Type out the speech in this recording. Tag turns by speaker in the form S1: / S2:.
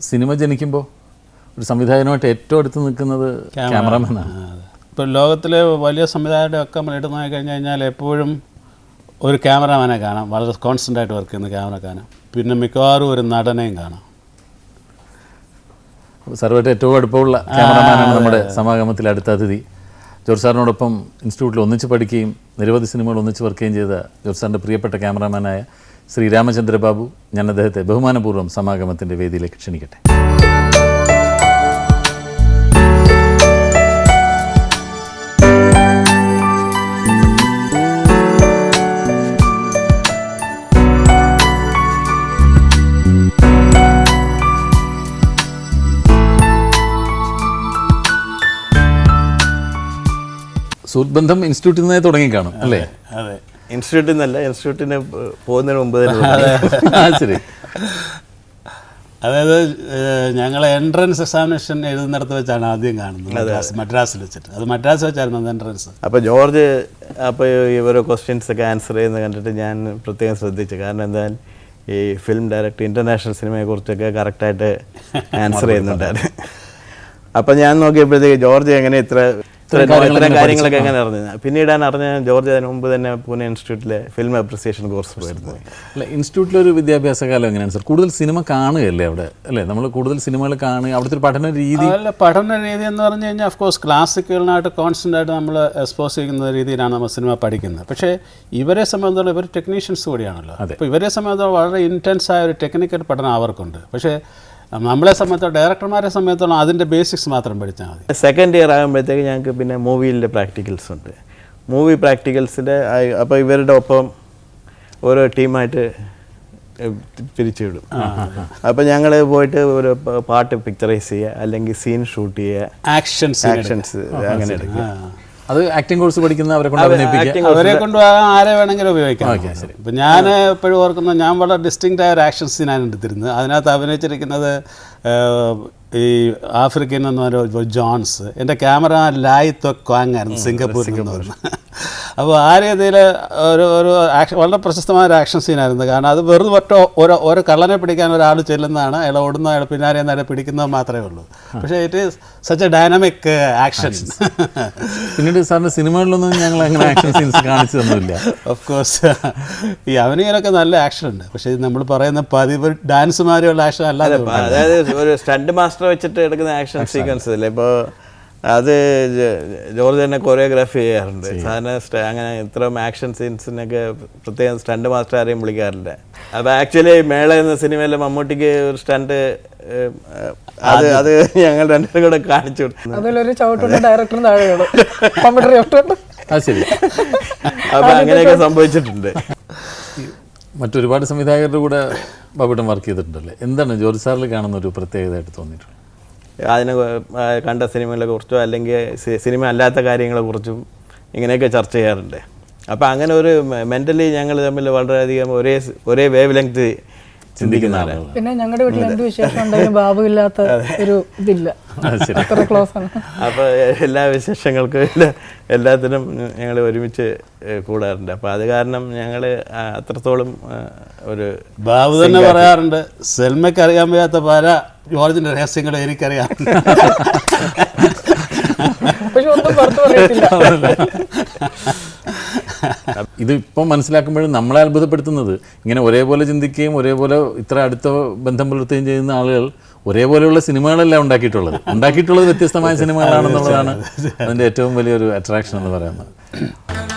S1: Cinema ജനിക്കുമ്പോൾ ഒരു സംവിധായകനുമായിട്ട് ഏറ്റവും അടുത്ത് നിൽക്കുന്നത് ക്യാമറമാനാണ്.
S2: ഇപ്പോൾ ലോകത്തിലെ വലിയ സംവിധായകരുടെയൊക്കെ നമ്മൾ എടുത്തു നോക്കി കഴിഞ്ഞ് കഴിഞ്ഞാൽ എപ്പോഴും ഒരു ക്യാമറമാനെ കാണാം, വളരെ കോൺസ്റ്റൻ്റായിട്ട് വർക്ക് ചെയ്യുന്ന ക്യാമറ കാണാം. പിന്നെ മിക്കവാറും ഒരു നടനെയും കാണാം.
S1: സാറുമായിട്ട് ഏറ്റവും അടുപ്പമുള്ള ക്യാമറമാനാണ് നമ്മുടെ സമാഗമത്തിൽ അടുത്ത അതിഥി. ജോർജ് സാറിനോടൊപ്പം ഇൻസ്റ്റിറ്റ്യൂട്ടിൽ ഒന്നിച്ച് പഠിക്കുകയും നിരവധി സിനിമകൾ ഒന്നിച്ച് വർക്ക് ചെയ്യുകയും ചെയ്ത ജോർജ് സാറിൻ്റെ പ്രിയപ്പെട്ട ക്യാമറമാനായ ശ്രീ രാമചന്ദ്ര ബാബു, ഞാൻ അദ്ദേഹത്തെ ബഹുമാനപൂർവ്വം സമാഗമത്തിൻ്റെ വേദിയിലേക്ക് ക്ഷണിക്കട്ടെ. സുഹൃത്ത് ബന്ധം ഇൻസ്റ്റിറ്റ്യൂട്ടിൽ നിന്നേ തുടങ്ങി കാണും അല്ലേ?
S2: അതെ,
S3: ഇൻസ്റ്റിറ്റ്യൂട്ടിൽ നിന്നല്ല, ഇൻസ്റ്റിറ്റ്യൂട്ടിന് പോകുന്നതിന് മുമ്പ് തന്നെ.
S1: ശരി.
S2: അതായത് ഞങ്ങൾ എൻട്രൻസ് എക്സാമിനേഷൻ എഴുതുന്നിടത്ത് വെച്ചാണ് ആദ്യം കാണുന്നത്, മദ്രാസിൽ വെച്ചിട്ട്. അത് മദ്രാസ് വെച്ചായിരുന്നു അത് എൻട്രൻസ്.
S3: അപ്പോൾ ജോർജ് അപ്പോൾ ഇവരെ ക്വസ്റ്റ്യൻസ് ഒക്കെ ആൻസർ ചെയ്യുന്നത് കണ്ടിട്ട് ഞാൻ പ്രത്യേകം ശ്രദ്ധിച്ചു. കാരണം എന്തായാലും ഈ ഫിലിം ഡയറക്ടർ ഇൻ്റർനാഷണൽ സിനിമയെക്കുറിച്ചൊക്കെ കറക്റ്റായിട്ട് ആൻസർ ചെയ്യുന്നുണ്ടായിരുന്നു. അപ്പം ഞാൻ നോക്കിയപ്പോഴത്തേക്ക് ജോർജ് എങ്ങനെ ഇത്തരം കാര്യങ്ങളൊക്കെ എങ്ങനെ അറിഞ്ഞത്. പിന്നീടാണ് അറിഞ്ഞ ജോർജ് അതിന് മുമ്പ് തന്നെ പൂനെ ഇൻസ്റ്റിറ്റ്യൂട്ടിലെ ഫിലിം അപ്രിസിയേഷൻ കോഴ്സ് പോയിരുന്നു.
S1: അല്ല, ഇൻസ്റ്റിറ്റ്യൂട്ടിലൊരു വിദ്യാഭ്യാസ കാലം എങ്ങനെയാണ് സാർ? കൂടുതൽ സിനിമ കാണുകയല്ലേ അവിടെ, അല്ലേ? നമ്മൾ കൂടുതൽ സിനിമകൾ കാണുക, അവിടുത്തെ ഒരു പഠന രീതി.
S2: അല്ല, പഠന രീതി എന്ന് പറഞ്ഞു കഴിഞ്ഞാൽ ഓഫ്കോഴ്സ് ക്ലാസിക്കുകളിനായിട്ട് കോൺസ്റ്റൻ്റ് ആയിട്ട് നമ്മൾ എക്സ്പോസ് ചെയ്യുന്ന രീതിയിലാണ് നമ്മൾ സിനിമ പഠിക്കുന്നത്. പക്ഷേ ഇവരെ സംബന്ധിച്ചിടത്തോളം ഇവർ ടെക്നീഷ്യൻസ് കൂടിയാണല്ലോ. അപ്പോൾ ഇവരെ സംബന്ധിച്ചിടത്തോളം വളരെ ഇൻറ്റൻസായ ഒരു ടെക്നിക്കൽ പഠനം അവർക്കുണ്ട്. പക്ഷേ നമ്മളെ സംബന്ധിച്ചോളം ഡയറക്ടർമാരെ സംബന്ധിച്ചോളം അതിൻ്റെ ബേസിക്സ് മാത്രം പഠിച്ചാൽ മതി.
S3: സെക്കൻഡ് ഇയർ ആകുമ്പോഴത്തേക്ക് ഞങ്ങൾക്ക് പിന്നെ മൂവിയിലെ പ്രാക്ടിക്കൽസ് ഉണ്ട്. മൂവി പ്രാക്ടിക്കൽസിൻ്റെ അപ്പോൾ ഇവരുടെ ഒപ്പം ഓരോ ടീമായിട്ട് പിരിച്ചുവിടും. അപ്പോൾ ഞങ്ങൾ പോയിട്ട് ഒരു പാട്ട് പിക്ചറൈസ് ചെയ്യുക, അല്ലെങ്കിൽ സീൻ ഷൂട്ട് ചെയ്യുക, ആക്ഷൻസ് അങ്ങനെ എടുക്കുക.
S1: അത് ആക്ടിംഗ് കോഴ്സ് പഠിക്കുന്ന അവരെ
S2: കൊണ്ട് ആരെ വേണമെങ്കിലും ഉപയോഗിക്കാം. ഇപ്പം ഞാൻ എപ്പോഴും ഓർക്കുന്നത്, ഞാൻ വളരെ ഡിസ്റ്റിങ്ക്റ്റ് ആയ ഒരു ആക്ഷൻ സീനാണ് എടുത്തിരുന്നത്. അതിനകത്ത് അഭിനയിച്ചിരിക്കുന്നത് ഈ ആഫ്രിക്കൻ എന്ന് പറഞ്ഞ ജോൺസ്. എൻ്റെ ക്യാമറ ലായ് ത്വക്വാങ് ആയിരുന്നു, സിംഗപ്പൂരിൽ നിന്ന് പറഞ്ഞു. അപ്പോൾ ആ രീതിയിൽ ഒരു ആക്ഷൻ, വളരെ പ്രശസ്തമായ ഒരു ആക്ഷൻ സീനായിരുന്നു. കാരണം അത് വെറുതെ ഓരോ കള്ളനെ പിടിക്കാൻ ഒരാൾ ചെല്ലുന്നതാണ്, അയാൾ ഓടുന്ന, അയാൾ പിന്നാലെ അയാൾ പിടിക്കുന്നത് മാത്രമേ ഉള്ളൂ. പക്ഷേ it is such a dynamic action.
S1: പിന്നീട് സാറിൻ്റെ സിനിമകളിലൊന്നും ഞങ്ങൾ അങ്ങനെ ആക്ഷൻ സീൻസ് കാണിച്ചു തന്നില്ല.
S2: ഓഫ് കോഴ്സ് ഈ അവനിയിലൊക്കെ നല്ല ആക്ഷൻ ഉണ്ട്. പക്ഷേ നമ്മൾ പറയുന്ന പതിവ് ഡാൻസ് മാതിരിയുള്ള ആക്ഷൻ അല്ലാതെ,
S3: അതായത് ഒരു സ്റ്റണ്ട് മാസ്റ്റർ വെച്ചിട്ട് എടുക്കുന്ന ആക്ഷൻ സീക്വൻസ് അല്ലേ. ഇപ്പോൾ അത് ജോർജ് തന്നെ കൊറിയോഗ്രാഫി ചെയ്യാറുണ്ട്. സാധാരണ അങ്ങനെ ഇത്രയും ആക്ഷൻ സീൻസിനൊക്കെ പ്രത്യേകം സ്റ്റണ്ട് മാസ്റ്റർ ആരെയും വിളിക്കാറില്ല. അപ്പോൾ ആക്ച്വലി മേള എന്ന സിനിമയിൽ മമ്മൂട്ടിക്ക് ഒരു സ്റ്റണ്ട് അത് ഞങ്ങൾ രണ്ടുപേരും കൂടെ കാണിച്ചു കൊടുത്തു. അപ്പോൾ അങ്ങനെയൊക്കെ സംഭവിച്ചിട്ടുണ്ട്.
S1: മറ്റൊരുപാട് സംവിധായകരുടെ കൂടെ ബാബുട്ടൻ വർക്ക് ചെയ്തിട്ടുണ്ടല്ലേ? എന്താണ് ജോർജ് സാറിൽ കാണുന്ന ഒരു പ്രത്യേകതയായിട്ട് തോന്നിയിട്ടുള്ളത്?
S3: അതിനെ കണ്ട സിനിമകളെ കുറിച്ചോ അല്ലെങ്കിൽ സിനിമ അല്ലാത്ത കാര്യങ്ങളെക്കുറിച്ചും ഇങ്ങനെയൊക്കെ ചർച്ച ചെയ്യാറുണ്ട്. അപ്പോൾ അങ്ങനെ ഒരു മെൻ്റലി ഞങ്ങൾ തമ്മിൽ വളരെയധികം ഒരേ വേവ് ലെങ്ത് ചിന്തിക്കുന്ന ആളാണ്.
S4: പിന്നെ ഞങ്ങളുടെ വീട്ടിൽ എന്ത് വിശേഷം ഉണ്ടെങ്കിലും ബാബു ഇല്ലാത്ത ഒരു ഇതില്ല, അത്ര ക്ലോസ് ആണ്.
S3: അപ്പോൾ എല്ലാ വിശേഷങ്ങൾക്കും എല്ലാത്തിനും ഞങ്ങൾ ഒരുമിച്ച് കൂടാറുണ്ട്. അപ്പോൾ അത് കാരണം ഞങ്ങൾ അത്രത്തോളം ഒരു
S2: ബാബു തന്നെ പറയാറുണ്ട്, സെൽമയ്ക്ക് അറിയാൻ വയ്യാത്ത പല ജോർജിൻ്റെ രഹസ്യങ്ങൾ എനിക്കറിയാം.
S4: പക്ഷെ ഒന്നും പുറത്തു പറയത്തില്ല.
S1: ഇത് ഇപ്പം മനസ്സിലാക്കുമ്പോഴും നമ്മളെ അത്ഭുതപ്പെടുത്തുന്നത്, ഇങ്ങനെ ഒരേപോലെ ചിന്തിക്കുകയും ഒരേപോലെ ഇത്ര അടുത്ത ബന്ധം പുലർത്തുകയും ചെയ്യുന്ന ആളുകൾ ഒരേപോലെയുള്ള സിനിമകളെല്ലാം ഉണ്ടാക്കിയിട്ടുള്ളത് വ്യത്യസ്തമായ സിനിമകളാണെന്നുള്ളതാണ് അതിൻ്റെ ഏറ്റവും വലിയൊരു അട്രാക്ഷൻ എന്ന് പറയുന്നത്.